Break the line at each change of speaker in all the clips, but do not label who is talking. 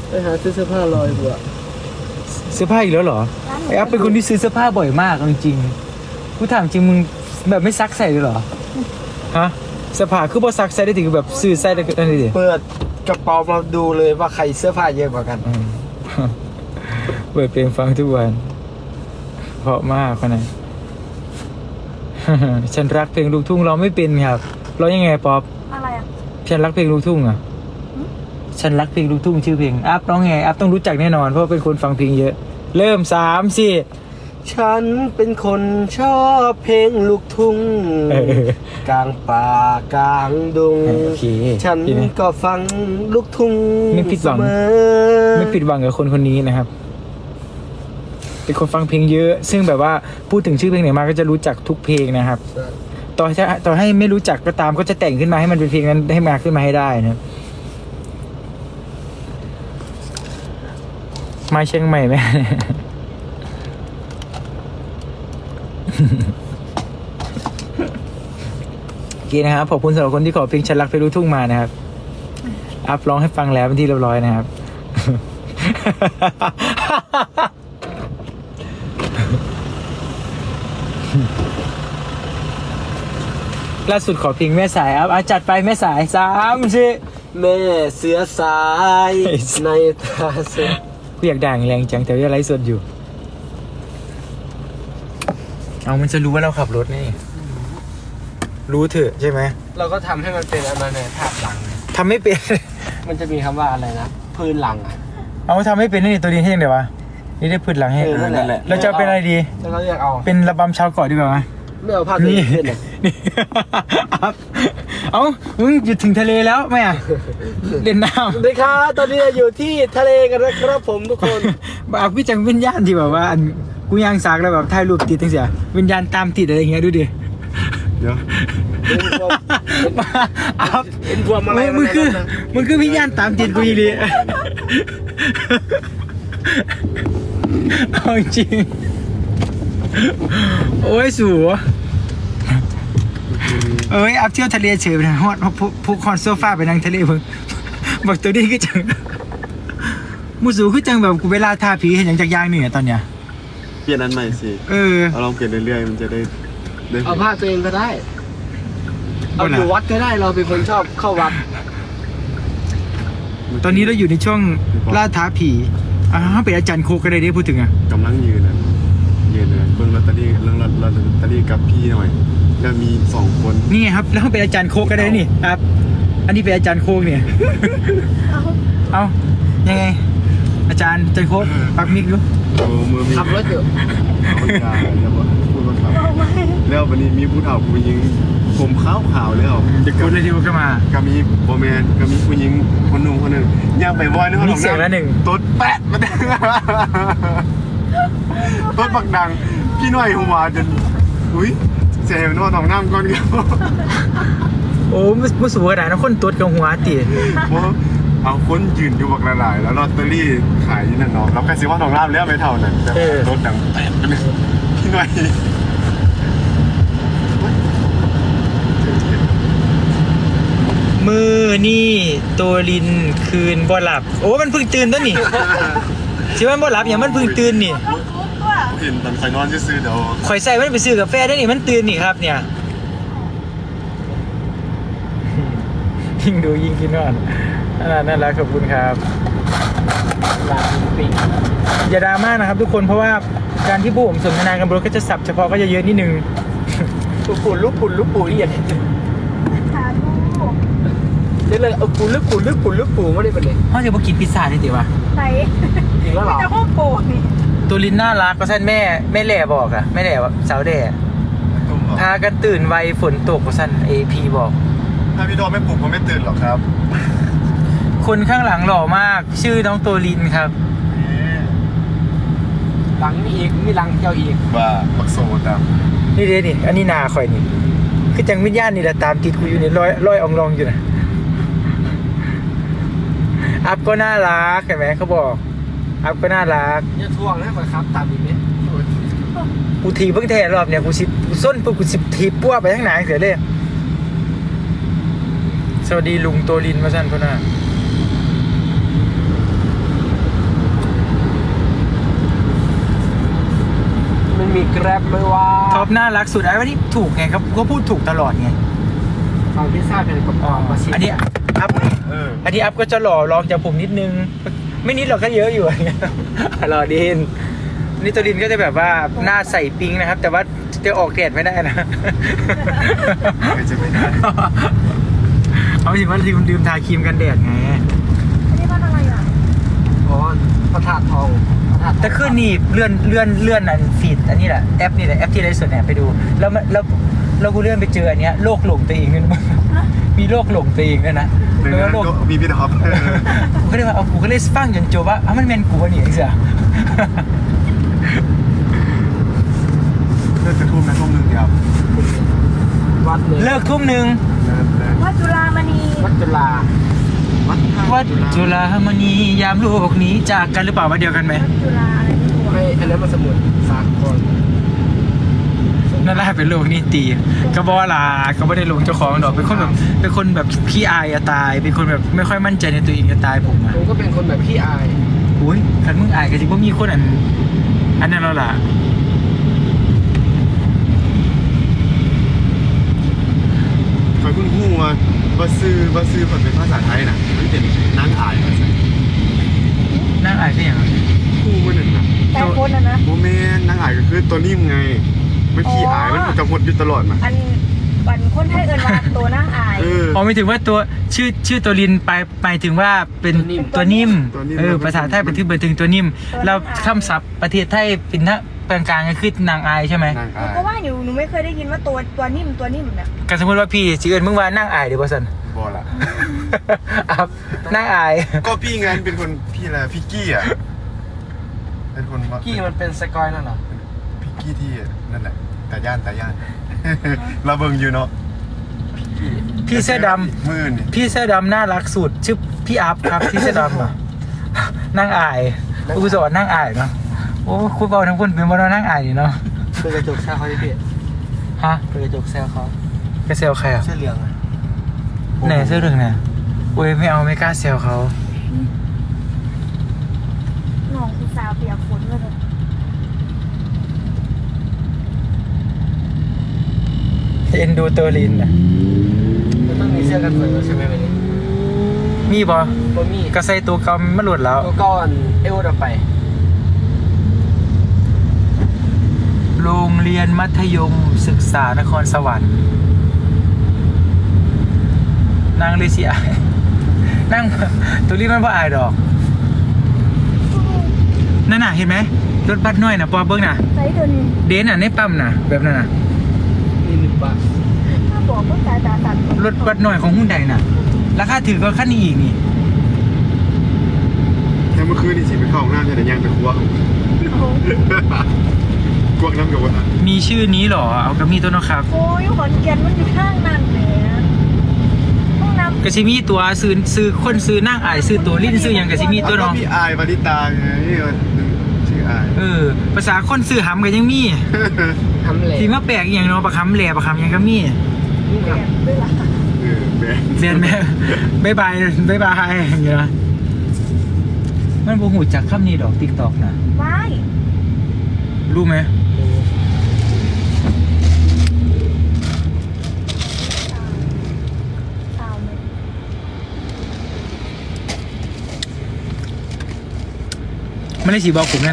ไปหาซื้อเสื้อผ้าลอยกว่า
เสื้อผ้าอีกแล้วเหรอไอ้อัพเป็นคนที่ซื้อเสื้อผ้าบ่อยมากจริงๆกูถามจริงมึงแบบไม่ซักใส่เลยเหรอฮะเสื้อผ้าคือบ่ซักใส่ได้ถึงแบบซื้อใส่ได้นั่นดิ
เปิดกระเป๋ามาดูเลยว่าใครเสื้อผ้าเยอะกว่ากัน
เปิดเพลงฟังทุกวันเพราะมากคนนั้น ฉันรักเพลงลูกทุ่งร้องไม่เป็นครับร้องยังไงป๊อป
อะไรอ่ะ
ฉันรักเพลงลูกทุ่งอ่ะฉันรักเพลงลูกทุ่งชื่อเพลงอัพร้องไงอัพต้องรู้จักแน่นอนเพราะเป็นคนฟังเพลงเยอะเริ่ม3-4
ฉันเป็นคนชอบเพลงลูกทุ่งกลางป่ากลางดง
โอเค
ฉันก็ฟังลูกทุ่ง
ไม่ผิดหวัง
เสมอ
ไม่ผิดหวังกับคนคนนี้นะครับเป็นคนฟังเพลงเยอะ ซึ่งแบบว่าพูดถึงชื่อเพลงไหนมาก็จะรู้จักทุกเพลงนะครับต่อให้ไม่รู้จักก็ตามก็จะแต่งขึ้นมาให้มันเป็นเพลงนั้นให้มาขึ้นมาให้ได้นะมาเชียงใหม่ไหม โอเคนะครับขอบคุณสำหรับคนที่ขอเพลงฉันรักเพลงลูกทุ่งมานะครับอัพร้องให้ฟังแล้วเป็นที่เรียบร้อยนะครับ ล่าสุดขอเพลงแม่สายอัพจัดไปแม่สาย3-4
แม่เสือสายในตาเสือ
กูอยากด่างแรงจังแต่ว่าไลฟ์สดอยู่เอามันจะรู้ว่าเราขับรถนี่รู้เถอะใช่ไหม
เราก็ทำให้มันเป็นอะไรในภาพหลัง
ทำไม่เป็น
มันจะมีคำว่าอะไรนะพื้นหลังอ่ะ
เอาทำไม่เป็นนี่ตัวดีให้ยังไงวะนี่ได้พืชหลังให้
นั่นแหละ
เราจะเป็นอะไรดี
แล้วก็เรียกเอา
เป็นระบำชาวเกาะดีกว่าไหม
ไม่เอาภาพตัวเองขึ้นเลย
นี่ เอามึงอยู่ถึงทะเลแล้วไหมอ่ะเล่นน้
สวัสดีครับตอนนี้เราอยู่ที่ทะเลกันนะครับผมทุกคน
ำแบบพี่จังวิญญาณที่แบบว่าอันกูย่างสากแล้วแบบถ่ายรูปติดตั้งเสียวิญญาณตามติดอะไรอย่างเงี้ยดูดิ
เดี๋ยว
อัพ
เป็นบวมอะไร
มึงคือวิญญาณตามติดกูอีหลีเอาจริงโอ้ยสูเอ้ยอัพเที่ยวทะเลเฉยไปนะฮอดผูกคอนโซฟาไปนั่งทะเลเพิ่งบอกตัวนี้ก็จังมูสูคือจังแบบกูเวลาทาผีเห็นอย่างจากยางนี่ตอนเนี้ย
เปลี่ยนอันใหม่สิ เอาลองเปลี่ยนเรื่อยๆมันจะได้
เอาภาพตัวเองก็ได้ เอาอยู่วัดก็ได้เราเป็นคนชอบเข้าวัด
ตอนนี้เราอยู่ในช่วงล่าท้าผีเป็นอาจารย์โคก็ได้พูดถึงอ่ะ
กำลังยืนเลยเบิ่งลอตเตอรี่เรื่องลอตเตอรี่กับพี่หน่อยแล้วมี2 คน
นี่ครับแล้วเป็นอาจารย์โคก็ได้นี่ครับ อันนี้เป็นอาจารย์โคกเนี่ยเอายังไง อาจารย์โคกปักมิกดู
โอ้มือมี
ขับรถอยู่
เอายาแล้วว่าพูดว่าขับแล้ววันนี้มีผู้เฒ่าผู้หญิงผมขาวแล้ว
จะกดเลยที่ว่าก็มา
ก็มีโบแมนก็มีผู้หญิงคนหนุ่มคนหนึ่งย่างไปวอยนึกว่า
มีเสียงละหนึ่ง
ต๊ดแปะมาดังต๊ดบักดังพี่หน่อยหัวจนอุ้ยเสียงนอนของน้ำก่อนเดียว
โอ้ไม่สูงขนาดนั้นคนตัวกับหัวตี
เอาคนยืนอยู่บักหลายๆแล้วลอตเตอรี่ขายนั่นเนาะเราแค่ซื้อว่าทองราบแล้วไม่เท่านั้นแต่รถดังแปะไปเลยพี่หน่อย
มือนี่ตัวลินคืนบ่หลับโอ้มันเพิ่งตื่นตัวนี่ใช่ไหมบ่หลับอย่างมันเพิ่งตื่นนี่
เห็นตอนไฟนอนซื้อเดี๋ยว
ข่อยใส่มันไปซื้อกาแฟได้นี่มันตื่นนี่ครับเนี่ยยิ่งดูยิ่งกินนอนน่ารักขอบคุณครับอย่าดราม่านะครับทุกคนเพราะว่าการที่ผู้ผมสนทนากันบนรถก็จะสับเฉพาะก็จะเยอะนิดนึง
ลูกปู่นี่อย่างนี้
สาธุ
เรียกเลยเอาปู่ลูกปู่ไม่ได้เป็นเลย
เขาจะมากินพิซซ่าได้ติวะ
ใส่
จริงแล้วเหรอ
จะพูดโปนี่
ตัวลินน่ารักก็ท่านแม่แหล่บอกอะแม่แหล่สาวแด่
ตุ้มเหรอ
พากันตื่นไวฝนตกก็ท่าน AP บอก
ถ้าพี่ดอมไม่ปลุกผมไม่ตื่นหรอกครับ
คนข้างหลังหล่อมากชื่อน้องตัวลินครับ
หลังมีอีกมีหลังเจ้าอีก
ว่าบักโซตาม
นี่เด้นี่อันนี้นาข่อยนี่คือจังวิญญาณนี่แหละตามติดกูอยู่นี่ร้อยอองรองอยู่นะอัพก็น่ารักเห็นไหมเขาบอกอัพก็น่ารัก
อย่าทวงนะก่อนครับตามอีกนิด
กูทีเพิ่งแท้รอบเนี่ยกูส้นปุ๊บกูทีปั้วไปทั้งหนังเสียเลยสวัสดีลุงตัวลินมาสั้นพ่อหน้า
มีแกร็บไหมว่า
ท็อปน่ารักสุดไอ้ว่านี่ถูกไงครับก็พูดถูกตลอดไง
ฟังพิซซ่าเป็นกรอบๆมาชิม
อันนี้อัพ อันนี้อัพก็จะหล่อรองจากผมนิดนึง ไม่นิดหรอกก็เยอะอยู่ หล่อดินนี่ตัวดินก็จะแบบว่าหน้าใส่ปิ๊งนะครับ แต่ว่าจะออกแดดไม่ได้นะ
จะไม่ได้
เอาสิว่าลืมทาครีมกันแดดไง
อันนี้มันอะไรอ่ะ
อ๋อพระธาตุทองพระธาตุทอง
แต่ขึ้นนี่เลื่อนอันฟีดอันนี้แหละแอปนี่แหละแอปที่ไลฟ์สดเนี่ยไปดู แล้วกูเลื่อนไปเจออันเนี้ยโลกหลงตัวเองด้วยนะมีโลกหลงตัวเองด้วยนะ
ดัง
แล้ว
นั้น
โลก
ก็มีพี่ท็อป
กูก็เลยว่าเอากูก็เลยฟังจนจบว่ามันแมนกูวะเนี่ยไอ้เสีย
เลิกจะทุ่มนะทุ่มหนึ่งเดียว
วัดเลย
เลิกทุ่มหนึ่ง
วัดจุฬามณี
วัดจุฬา
วัดจุฬามณียามโลกนี้จากกันหรือเปล่าว่าเดียวกันไหม
วัดจุฬาอะไรไม่รู้
ไม่อันนั้นมันสมุดสากล
นั่นแหละเป็นโลกนี้ตีก็บอกว่าลาก็ไม่ได้ลงเจ้าของดอกเป็นคนแบบขี้อายอะตาย เป็นคนแบบไม่ค่อยมั่นใจในตัวเองจะตายผมอะ
ผมก็เป็นคนแบบขี้อาย
อุ้ยคันมึงอายก็จริงว่ามีคนอันนั้นแล้วล่ะ
คอยเพิ่งพูดว่าบัสซื้อผลเป็นภาษาไทยน่ะมันเป็นนั่งอ่านมาใส่
นั่งอายก็อย่างนั้น
คู่มันหนึ่งน่ะ
แต่คนนะ
โมเมนต์นั่งอ่านก็คือตัวนิ่มไงมันขี้อายมันจะหมดอยู่ตลอดมา
อันวันคนไทยเอิญมาตัวนั่งอาย
อ๋อไม่ถึงว่าตัวชื่อตัวลินไปถึงว่าเป็นตัวนิ่มภาษาไทยเป็นถึงตัวนิ่มเราคำศัพท์ประเทศไทยเป็นนะกลางๆก็คือนางอายใช่ไหม
นั่ง
หนู
อ่าน
ก็ว่าอยู่หนูไม่เคยได้ยินว่าตัวนิ่มเนี่ย
ก็สมมติว่าพี่ชื่อเอิญมึงว่านั่งอายเดี๋ยวบอสัน
บอละ
ครับนั่งอาย
ก็พี่ไงเป็นคนพี่อะไรพี่กี้อ่ะเป็นคนว่า
กี้มันเป็นสกอยนั่นเหรอ
พี่กี้ที่นั่นแหละแต่ย่าน เราเบิ่งอยู่เนาะ
พี่เสื้อดำ
มือนี่
พี่เสื้อดำน่ารักสุดชื่อพี่อัพครับพี่เสื้อดำอ่ะนั่งอายกูสอนนั่งอายเนาะโอ้คุณบอกทั้งคนเป็นบอลนั่งอายนี่เนาะ
เป็นกระจกแซวเขาที่พี่
ฮะ
เป็นกระจกแซวเขา
ไปเซลใครอ่ะ
เสื้อเหลืองอะ
ไหนเสื้อเหลืองเนี่ยอุ้ยไม่เอาไม่กล้าเซลเขา
น้องคือสาวเปียกฝนเลย
เอ็นดูตัวลินอ่ะ
มันต้องมีเสื้อกันฝนใช่ไหมวันนี้
มีบอ
บ่มี
ก็ใส่ตัวเก่ามันหลุดแล้ว
ตัวก้อนเอวเราไป
โรงเรียนมัธยมศึกษานครสวรรค์นั่งเลยสิอายนั่งตัวรีบมันว่าอายดอกนั่นน่ะเห็นไหมรถบัสน้อยนะปอเบิ้งน่ะ
ใส่ตัวนี้
เดนน่ะในปั๊มน่ะแบบนั้นน่ะ
นี่1 บาท
ถ้าบอกว่าสายตาตัด
รถบัสน้อยของหุ้นใดน่ะราคาถือก็ขั้นนี้อีกนี่
แต่เมื่อคืนนี่สิไปเข้าห้องน้ำใช่ไหมยังไปครัวกวกน้ำกับว่า
มีชื่อนี้เหรอเอากับมีตัวเนาะครับ
โอ้ยขอนแก่นมันอยู่ข้างนั่นเลยห้องน้ำ
กะซิมีตัวซื้อคนซื้อนั่งอายซื้อตัวลิ้นซื้อหยังกะซิมีตัวเนาะ
พี่อายบาริตาไงชื่ออาย
ภาษาคนซื้อหำก็ยังมี
ทำเหล็ก
ที่มาแปลกอหย่างเนาะประคำแหล่ประคำหยังก็มี
แบบด้วยล่ะ
แบง
เรียนแม่บายอย่างเงี้ยมันบ่หูจักคำนี้ดอก TikTok นะ
ว้าย
รู้ไหม
สาวเลย
ไม่ได้สีบอกผมนั่น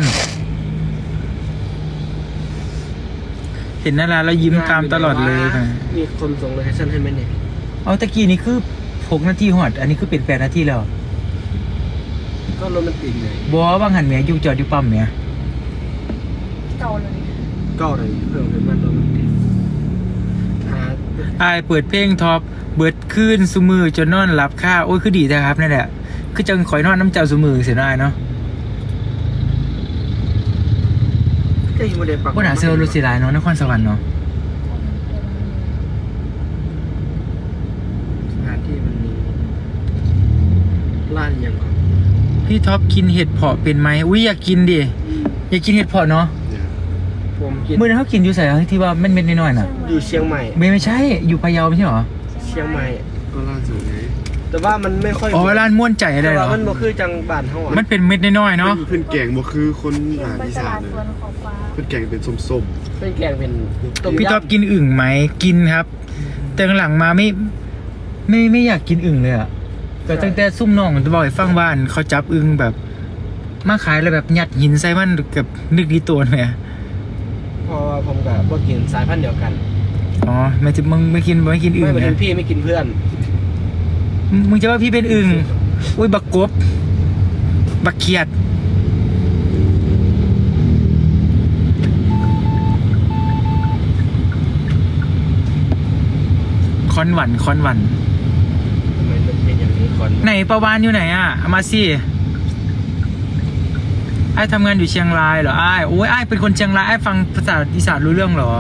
เห็นนาราแล้วยิ้มตามตลอดเลยค่ะ
มีคนส่งโลเคชั่นให้ไหมเนี่ย
เอาตะกี้นี่คือ6 นาทีหอดอันนี้คือเป็น8 นาทีแล้ว
ก็โรแมนติกเลย
บัวบางหันแหม่อยู่จอดอยู่ปั๊มแหม่
เก่าเลย
ก็เลยเพิ่มเป็นมันโรแมนติกหา
อายเปิดเพลงท็อปเบิดคืนซุมือจนนอนหลับค่าโอ้ยคือดีนะครับนั่นแหละคือจังข่อยนอนน้ำเจ้าซุมือเสียดายเนาะ
ก็ยังไม่ได้ปัก
ว่าหนาเซลลูสิลายเนาะนครสวรรค์เนาะ
สถานที่มันมีร้านอย่างก่อน
พี่ท็อปกินเห็ดเผาะเป็นไหมอุ้ยอยากกินดิอยากกินเห็ดเผาะเนาะ
ผมกิน
เมื่อนั้นเขากินอยู่ใส่ที่ว่ามันเม็ดน้อยๆน่ะ
อยู่เชียงใหม่
ไม่ใช่อยู่พะเยาไม่ใช่หรอ
เชียงใหม่
ก็ล่าสุดไง
แต่แต่ว่ามันไม่ค่อย
อ๋อร้านม่วนใจเล
แต่
ยเหร
ว่า
อ
มันบ่คือจังบ้านเฮา
มันเป็นเม็ดน้อยๆเนาะ
เพื่อนแกงบ่คือคน
เห็น
อาหาร
ไป
อี
ต
สา
ลาน ด
เลย
สวนของฟ้า
เพื่อนแกงเป็นส้ม
เป็นแกงเป็นต้ม
พี่
ยำ
ท็อปกินอึ่งไหมกินครับ แต่หลังมาไม่อยากกินอึ่งเลยอะแต่ตั้งแต่ซุ่มน้องจะบอกให้ฟังบ้านเขาจับอึ่งแบบ มาขายแล้วแบบยัดหินใส่มันกับนึกดีตัวไหมอะ
เพราะว่าผมกับบ่กินสายพันธุ์เดียวกัน
อ๋อไม่จะมึงไม่กินอึ่
ไม่
ง
เป็น
นะ
พี่ไม่กินเพื่อน
มึงจะว่าพี่เป็นอึ่งอุ้ยบักกบบักเขียดคอนหวัน
ทำไมมันเป็นอย่างนี้ก่อน
ไหนประวานอยู่ไหนอ่ะเอามาสิไอ้ทำงานอยู่เชียงรายเหรอไอ้โอ้ยไอ้เป็นคนเชียงรายไอ้ฟังภาษาอีสานรู้เรื่องเหรอ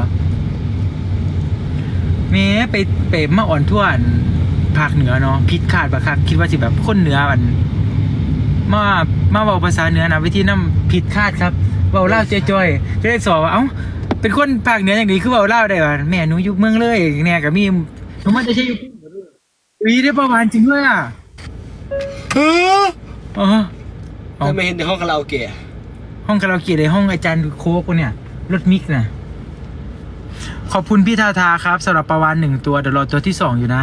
เมไปมาอ่อนทั่วภาคเหนือเนาะผิดคาดปะครับคิดว่าสิแบบคนเหนือมันมาเว้าภาษาเหนือนะวิธีนำผิดคาดครับเว้าเล่าวจ้อยๆก็ได้สอบว่าเอ้าเป็นคนภาคเหนืออย่างนี้คือเว้าเล่าวได้วะแม่หนูอยู่เมืองเลยเนี่ยก็มีหนูมันจะใช่อยู่อุ้ยได้ประวานจริงด้วยอ่ะอ๋อ
ทำไมเห็นในห้องคาราโอเกะ
ห้องคาราโอเกะในห้องอาจารย์โค้กเนี่ยรถมิกนะขอบคุณพี่ทาทาครับสำหรับประวาน1 ตัวเดี๋ยวรอตัวที่2อยู่นะ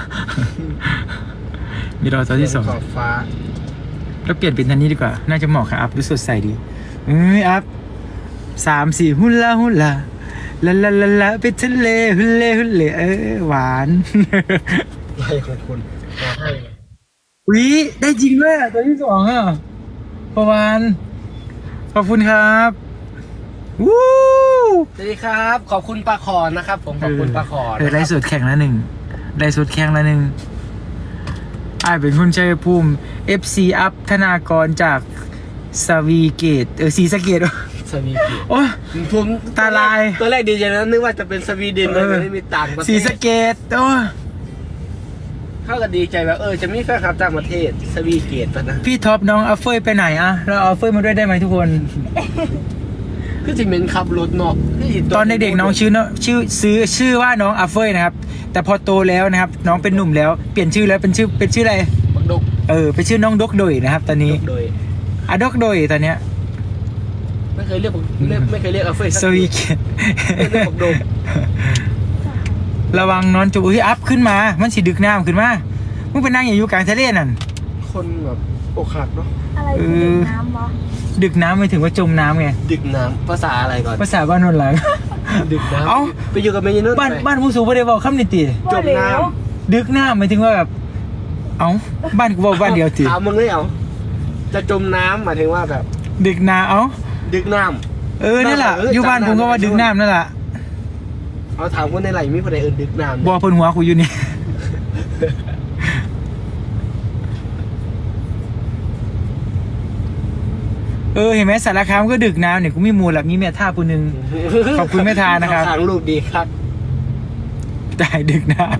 มีรอตัวที่2
ขอบฟ้า
แล้วเปลี่ยนเป็นทันนี้ดีกว่าน่าจะเหมาะกับอัพดูสดใสดีอัพ3-4หุ่นละละไปทะเลหุ่นเล่หวาน
ไรของคุณขอให้
วิได้จริงด้วยตัวที่2อ่ะประวานขอบคุณครับวู้
สวัสดีครับ ขอบคุณปลาขอนนะครับ ผมขอบคุณปลาขอน
ไล่สดแข่งละ1ไล่สดแข่งละ1อ้ายเป็นคนชัยภูมิ FC อัพธนากรจากสวีเกตศรีสะเกต
สวีเดน
โอ้
ผม
ตาลาย
ตัวแรกดีใจนะนึกว่าจะเป็นสวีเดนเลยไม่มีต่างประเทศ
ศรีสะเกตโอ้
เข้ากันดีใจแบบจะมีแฟนคลับต่างประเทศสวีเกตปะนะ
พี่ท็อปน้องอัฟเฟยไปไหนอะเราเอาอัฟเฟยมาด้วยได้ไหมทุกคน
คือจิเมนขับรถเนาะ
ตอนเด็กๆน้องชื่อว่าน้องอัฟเฟยนะครับ แต่พอโตแล้วนะครับ น้องเป็นหนุ่มแล้วเปลี่ยนชื่อแล้วเป็นชื่ออะไร
บักดก
เป็นชื่อน้องดกโดยนะครับ ตอนนี้
โดย
อะดกโดยตอนเนี้ย
ไม่เคยเรียกไม่เคยเรียกอัฟเฟย์
สวีเกต
เรียกบักดก
ระวังนอนจุบอัพขึ้นมามันสิดึกน้ำขึ้นมามึงไปนั่งอยู่กลางทะเลนั่น
คนแบบอกหักเนาะ
อะไรคือดื่มน้ำวะ
ดึกน้ำไม่ถึงว่าจมน้ำไง
ดึกน้ำภาษาอะไรก่อน
ภาษาบ้านนนหลัง
ดึกน้ำ
เอ้า
ไปอยู่กับเมย์นุ่น
บ้านผู้สูงไม่ได้บอกคำนิติ
จมน้
ดึกน้ำหมายถึงว่าแบบเอ้าบ้านกูบอก
ำ
บ้านเดียวติ
ถามมึงเลยเอาจะจมน้ำหมายถึงว่าแบบ
ดึกน้ำเอ้า
ดึกน้
นั่นแหละอยู่บ้านผมก็ว่าดึกน้ำนั่นแหละ
ำเอาถามคนในไหลมีคนใดเอินดึกน้ำ
บอกเพิ่นหัวกูอยู่นี่ เห็นไหมสารคามก็ดึกน้ำเนี่ยกูมีมูลละมีแม่ท่าผู้หนึง ขอบคุณแม่ทานะครับ
ทางลูกดีครับ
ได้ดึกน้ำ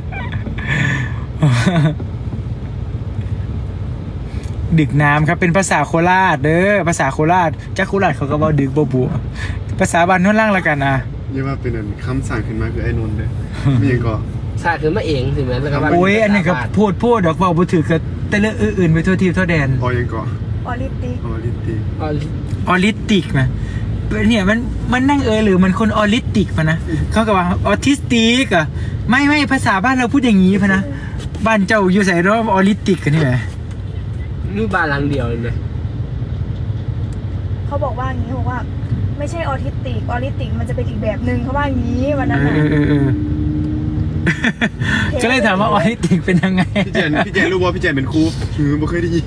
ดึกน้ำครับเป็นภาษาโคราชเด้อภาษาโคราชจากโคราชเขาก็บอกดึกบ่บัวภาษาบ้านโนนล่างละกันนะ
ๆนี่ว่าเป็นอันคำสั่งขึ้นมาคือไอ้นนท์เลยมีอย่างก็
สาดขึ้นมาเองถึงแม้แล้วก็ว่า
โอ้ยอันนี้ก็พูดดอกบอกบ่ถือก็แต่เรื่องอื่นๆไปทั่วทีทั่วแดน
พอยังก็
ออริติก
ออริตี
อ๋อ
ออริติกนะเนี่ยมันนั่งหรือมันคนออริติกมานะเขาก็ว่าออทิสติกอะไม่ภาษาบ้านเราพูดอย่างนี้พะนะบ้านเจ้าอยู่ใส่รอบออริติกกันนี่แหละ
นี่บ้านหลังเดียวเลยนะ
เขาบอกว่าอย่างนี้เขาบอกว่า ไม่ใช่ออทิสติกออริติกมันจะเป็นอีกแบบหนึ่งเขาว่าอย่างนี้วันนั้นน่ะ
ก็เลยถามว่าออริติกเป็นยังไง
พี่เจนรู้ว่าพี่เจนเป็นครูไม่เคยได้ยิน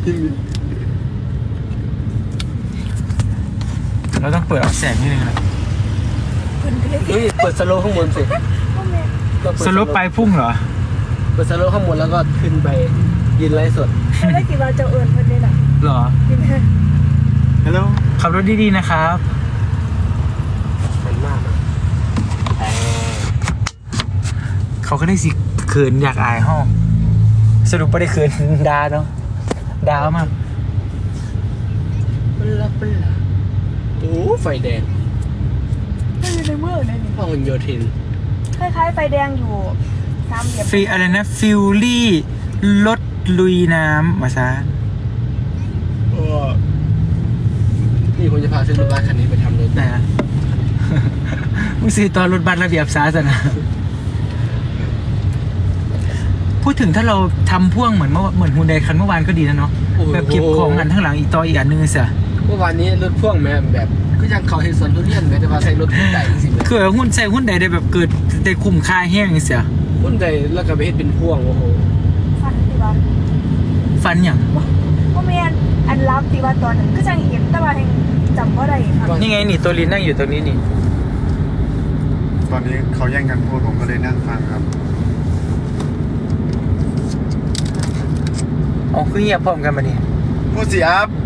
เราต้องเปิดออกแสงนิดนึงนะ
คุณเพชร
เฮ้ยเปิดสโลว์ข้างบนสิ
พ่อแม่
สลบไปพุ่งเหรอ
เปิดสโลว์ข้างบนแล้วก็ขึ้นไปยืนไลฟ์สด
ไม่ได้กี่วันจะเอิญเพิ่นได้หรอ
เหรอ
กินแค่
ฮัลโหล
ขับรถดีๆนะครับ
มันมากนะแต่
เขาก็ได้สิเขินอยากอายห้องสรุปไม่ได้เขินดาเนาะดาวมาก
ปลาโอ้ไฟแดง
ไม่อยู่ในเมืองเลยนี่
พหลโยธิน
คล้ายๆไฟแดงอยู่ตามเหยียบ
อะไรนะฟิลลี่รถลุยน้ำมาซะ
นี่ผมจะพาซื้อรถบัสคันนี้ไปทำรถ
ไหนอะมึงซื้อตอนรถบัสระเบียบซาสนะ พูดถึงถ้าเราทำพ่วงเหมือนฮุนไดคันเมื่อวานก็ดีนะเนาะแบบเก็บของอันข้างหลังอีกต่ออีกอันนึงเสีย
เมื่อวานนี้รถพ่วงแม่แบบก็ยังเขาเห็นสวนทุเรียนแม้แต่ว่าใส่รถใหญ่จริงๆเลย
คือหุ้นใส่หุ้นใดได้แบบเกิดได้คุ้มค่าแห้งเสีย
พุ่นใดแล้วก็ไปเฮ็ดเป็นพ่วงโอ้โห
ฟันติว่า
ฟันอย่าง
ว่าแม่นอันรับติว่าตอนนั้นก็จังเห็นแต่ว่ายังจำบ่ได้ครับ
นี่ไงนี่ตัวลินนั่งอยู่ตรงนี้นี่
ตอนนี้เขาแย่งกันพูดผมก็เลยนั่งฟังครับ
อ๋อคือเงียบพร้อมกันมานี่
พูดสิอัพ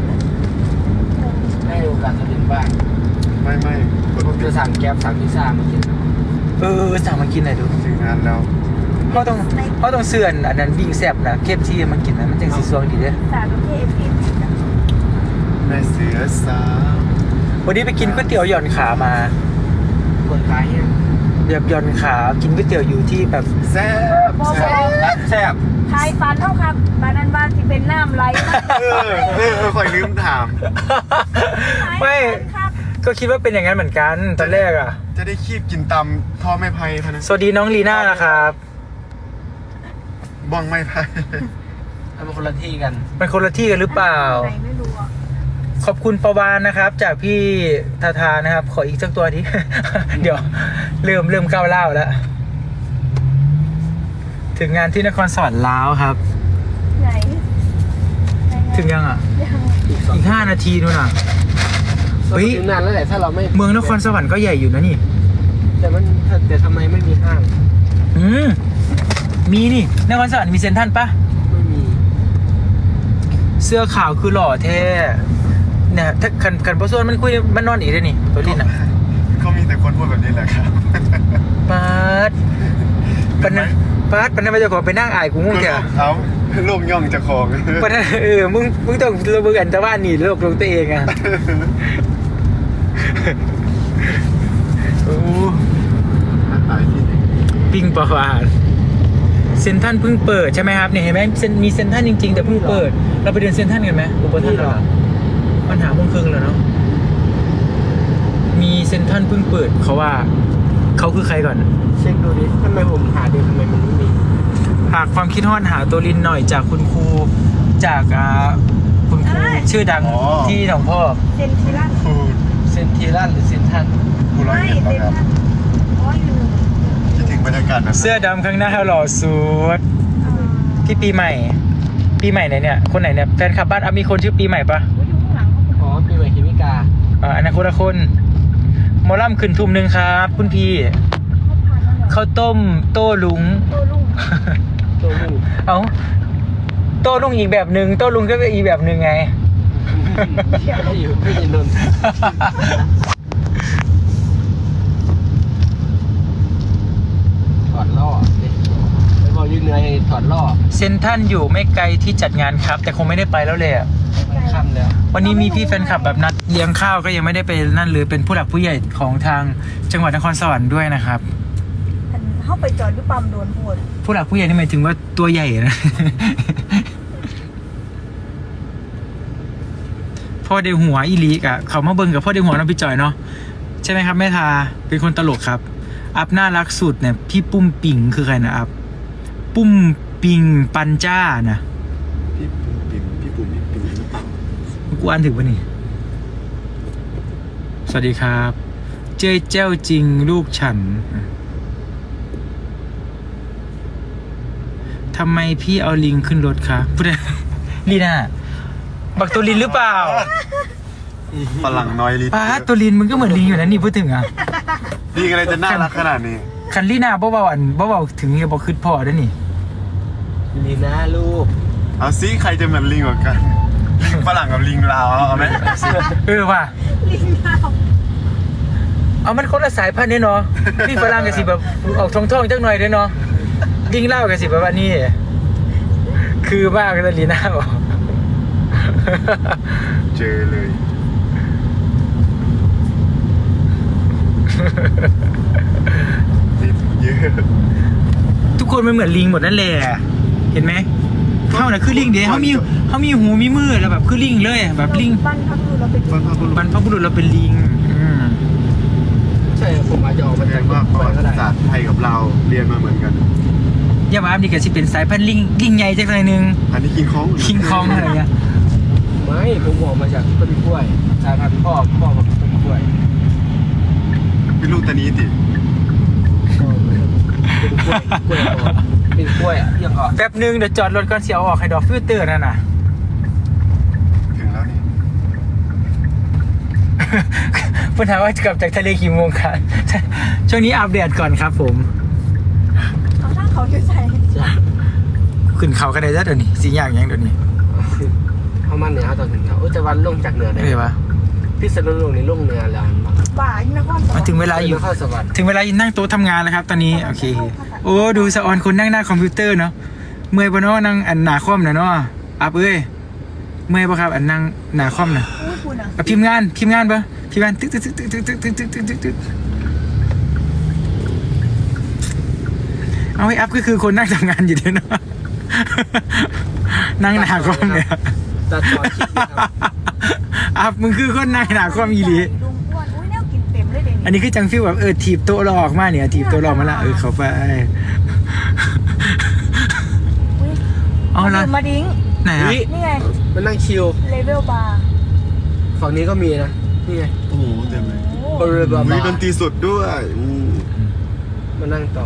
ให้โอกาสจะเรียนบ้าง
ไม่
ผมจะสั่งแก๊ปสั่งพิซซ่ามากิน
สั่งมากินหน่อยดู
ถึงงานแล้ว
เขาต้องเสื่อนอันนั้นวิ่งแซ่บนะเคฟที่มากินนะมันจังสีสวงดีเด้อ
สาวประเภทที่
แม่เสือสาว
วันนี้ไปกินก๋วยเตี๋ยวหย่อนขามา
คนขายเนี่ย
แบบหย่อนขากินก๋วยเตี๋ยวอยู่ที่แบบ
แซ่บแซ่บ
แซ่บ
ทายฟันเท่าครับบานันบานที่เป็นน้ำไหลนะ
คอยลืมถาม
ไม่
ครับ
ก็คิดว่าเป็นอย่างนั้นเหมือนกันตอนแรกอ่ะ
จะได้คีบกินตำท่อไม้ไผ่พะนะ
สวัสดีน้องลีน่านะครับ
บ้องไม้ไผ่
เอาเป็นคนละที่กัน
มันคนละที่กันหรือเปล่า
ไหนไม่รู้อ่ะ
ขอบคุณประวานนะครับ จากพี่ทาทานะครับ ขออีกสักตัวที เดี๋ยวเริ่มก้าวเล่าวแล้ว ถึงงานที่นครสวรรค์แล้วครับ
ไหน
ถึงยังอ่ะ
ยัง
อีก5 นาทีนู่นอ่ะ เฮ้ย
ถึงนานแล้วแหละถ้าเราไม่
เมืองนครสวรรค์ก็ใหญ่อยู่นะนี่
แต่ทำไมไม่มีห้าง
มีนี่นครสวรรค์มีเซ็นทรัลปะ
ไม่มี
เสื้อขาวคือหล่อแท้เนี่ยถ้าขันพอส่วนมันคุยมันนอนอีกได้นี่ตัวลินอ่ะ
เขามีแต่คนพูดแบบนี้แหละครับ
ปาดปันนั้นไม่จะขอไปนั่งอายกูงงแก
เอาลูกย่องจะของ
ปันนั้นมึงต้องระเบิดอันตะวันนี่โลกตัวเองอ่ะโอ้
ตายที่ไหน
ปิงประวานเซ็นทรัลเพิ่งเปิดใช่ไหมครับเนี่ยเห็นไหมมีเซ็นทรัลจริงๆแต่เพิ่งเปิดเราไปเดินเซ็นทรัลกันไหมอุปทานเหรอปัญหาโมงครึ่งแล้วเนาะมีเซ็นทรัลเพิ่งเปิดเขาว่าเขาคือใครก่อน
เช็คดูดิทำไมผมหาดูทำไมมันไม่มี
หากความคิดฮอดหาตัวลินหน่อยจากคุณครูจากคุณครูชื่อดังที่หนองพ่อ
เซนทิลัน
พูด
เซนทีรันหรือเซนทัน
พูดร้อย
ไม่
เอ็ด
เซ
ป่ะ
น
ครับ
ทันอ๋ออยู่หนึ่ง
คิดถึงบรรยากาศแบบ
เสื้อดำข้างหน้าหล่อสุดที่ปีใหม่ไหนเนี่ยคนไหนเนี่ยแฟนคลับบ้านมีคนชื่อปีใหม่ปะ
อยู่ข้างหลังเขา
อ๋อปีใหม่เคมิกา
อันนั้นคนละคนหมอลำขึ้นทุ่มหนึ่งครับคุณพี่
ผ่านมาเหรอ
ข้าวต้มโต้ลุง
โตลุง
ตัวลูก
เอาโต้ลุงอีกแบบหนึ่งโต้ลุงก็เป็นอีกแบบหนึ่งไง
ไม่อยู่ไม่ยินนนถอดล่อไปบอกยืนเหนื่อยถอดล่อ
เซนทรันอยู่ไม่ไกลที่จัดงานครับ แต่คงไม่ได้ไปแล้วเลยอะ
มันค่ำแล้ว
วันนี้มีพี่แฟนคลับแบบนัดเลี้ยงข้าวก็ยังไม่ได้ไปนั่นหรือเป็นผู้หลักผู้ใหญ่ของทางจังหวัดนครสวรรค์ด้วยนะครับ
อันเข้าไปจอดอยู่ปั๊มโดนพูด
ผู้หลักผู้ใหญ่นี่หมายถึงว่าตัวใหญ่นะ พ่อเดหัวอีลีกอะเขามาเบิ่งกับพ่อเดหัวน้องพี่จอยเนาะใช่ไหมครับแม่ทาเป็นคนตลกครับ อัพน่ารักสุดเนี่ยพี่ปุ้มปิงคือใครนะอัพปุ้มปิงปันจ้านะ
พี่ปุ่มปิ่มหรือเปล่า
กูอ่านถึงปะนี่สวัสดีครับ เจ้ยเจ้าจริงลูกฉันทำไมพี่เอาลิงขึ้นรถคะพูดได้ลีน่าบักตัวลินหรือเปล่า
ฝรั่งน้อยลิ
ป้าตัวลินมึงก็เหมือนลิงอยู่นะนี่พูดถึงอ่ะ
ดีกันเลยจะน่ารักขนาดนี้
คันลีน่าเบาๆถึงจะบอกขึ้นพอได้นี่
ลีน่าลูก
เอาซิใครจะเหมือนลิงกว่ากัน ลิงฝรั่งกับลิงลาวเอาไหม
ว่ะ
ลิงดาว
เอามันคนละสายพันธุ์เนี่ยเนาะลิงฝรั่งกับสิแบบออกทองๆจังหน่อยด้วยเนาะลิงเล่าวกับสิแบบว่านี่คือบ้ากันลีน่าบอก
เจอเลยติดเยอะ
ทุกคนมันเหมือนลิงหมดนั่นแหละเห็นไหมเขาน่ะคือลิงเด้เขามีหูมีมือแล้วแบบคือลิงเลยแบบลิง
บ้านพักดูเราเป็น
บรรพบุรุษเราเป็นลิงม
ใช่ผมอาจจะออกมา
แสด
จาก
งว่าประวั
ก็
ติ
ได้
ศาสตร์ไทยกับเราเรียนมาเหมือนกัน
อย่ามาอัพนี่ก็สิเป็นสายพันธุ์ลิงใหญ่จักหน่อยนึง
อันนี้กินของ
คิงคองอะไรเงี้ย
ไม่ผมออกมาจากต้นกล้วยสายพันธุ์พ่อกับต้นกล้วย
เป็นลูกตานี้ติ
เป็นกล้วยอ่ะยังออก
แป๊บนึงเดี๋ยวจอดรถก่อนเสียออกให้ดอกฟิลเตอร์นั่นน่ะ
ถึงแล้วนี่
ปัญหามว่ากลับจากทะเลกี่โมงครับ ช่วงนี้อัปเดตก่อนครับผม
เอาถ้าเขาอยู่ใส่
ขึ้นเขากันได้แล้วเดี๋ยวนี้สิอย่างยังเดี๋ยวนี้
เขามันเนี่ยเขาตอนถึงเขาจะวันลงจากเหนือได้
เอ้ยวะ
พิษณุโลกนี่ลงเหนือแล้ว
บ่ายนครสวร
มาร ถึง
ค์
เวลาอยู่
นครสวรรค์
ถึงเวลานั่งโต๊ะทำงานแล้วครับ ตอนนี้โอเคโอ้ดูสะออนคนนั่งหน้าคอมพิวเตอร์เนาะเมื่อยปะเนาะนั่งอันหนาคอมน่ะเนาะอัพเอ้ยเมื่อยปะครับอันนั่งหนาคอมน่ะ
อุ้ยคุณอ่ะ
พิมพ์งานปะพิมพ์งานตึ๊กตึ๊กตึ๊กตึ๊กตึ๊กตึ๊กตึ๊กตึ๊กตึ๊กตึ๊กเอาให้อัพก็คือคนนั่งทำงานอยู่เด้อเนาะ นั่งหนาคอมเนี่ย
ตัดต่อคลิปนะครับ
อัพมึงคือคนนั่งหนาคอมอีหลี
ลุงอ้วนอุ้ยแนวกินเต็มเลยเดี๋ยว
อันนี้คือจังฟิลแบบถีบโต๊ะเราออกมาเนี่ยถีบโต๊ะเรามาละเข้าไป
อุ้ย
เอาละ
มาดิ้ง
ไหนอะ
อุ๊ย
นี่ไง
มันนั่งชิล
เลเวลบาร์
ฝั่งนี้ก็มีนะนี่ไง
โอ้โหเต็มเลย
โอ้
บริเวณบา
มี
ร์
ดนตรีสดด้วย
มานั่งต่อ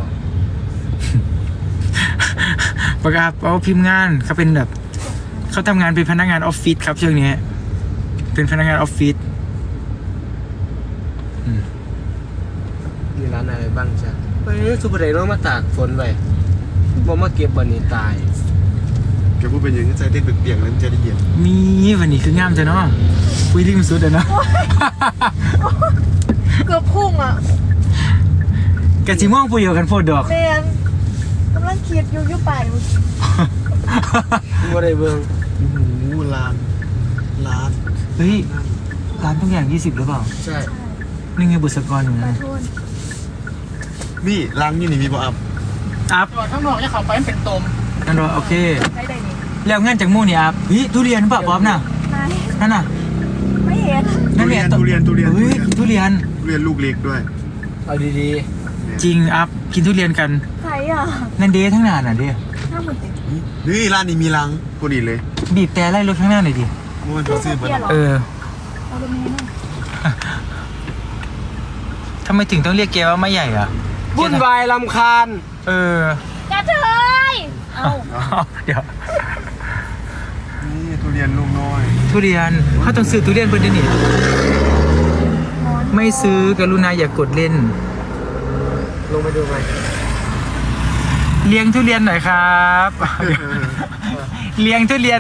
ประกาศเอาพิมพ์งานเขาเป็นแบบเขาทำงานเป็นพนักงานออฟฟิศครับช่วงนี้เป็นพนักงานออฟฟิศ
มีร้านอะไรบ้างจ๊ะเฮ้ยสุภาพเดชมาตากฝนไปบอกมาเก็บวันนี้ตาย
แกพูดเป็นอยังไงใจเต้นเปียกๆแล้วมันจะได้เย็น
มีวันนี้คืองามจ้ะเนาะคุยริมสุดอะเนาะ
เกือบพุ่งอ่ะ
กะจิม่วงปุยกันโพดดอก
แมนกำลังคิดอยู่ป่ายอยู่
ว่าได้เบิ่ง
โอ้โหร้าน
เฮ้ยร้านทุกอย่าง20หรือเปล่า
ใช่
นี่ไงบุษกรอยู่
ขอ
นะ
โทษ
นี่ร้านนี่มีบ่อัพ
อัพ
ข้างนอกจะเข้าไปเป็นตม
นั่นรอโอเค
ได้ได้นี่
แล้วงานจากมู่นี่อัพเฮ้ยทุเรียนป่ะป๊อปน่ะ
นาย
นั่นน่ะ
ไม่เห็น
นั่นเนี่ย
ทุเรียน
เฮ้ยทุเรียน
ทุเรียนลูกเล็กด้วย
เอาดี
จริงอัพกินทุเรียนกัน
ใครอ่ะ
นั่นเดทั้งนานน่ะเด้
ห้าหมื่นติด
นี่ร้านนี้มีรังพอดีเลย
บีบแต่ไล่รถข้างหน้าหน่อยดิ
เมื่อวันเขาซื้อมา
เออ
เอาตรงนี้หน่อย
ทำไมถึงต้องเรียกแกว่าไม่ใหญ่อ่ะ
ๆวุ่นวายลำคาญ
เออก
ระเทยเอา
เดี๋ยว
นี่ทุเรียนลูกน้อย
ทุเรียนเขาต้องซื้อทุเรียนเพิ่นเดี๋ยวนี้
นอน
ไม่ซื้อกรุณาอย่ากดเล่น
ลงไปดูไหม
เลี้ยงทุเรียนหน่อยครับ เลี้ยงทุเรียน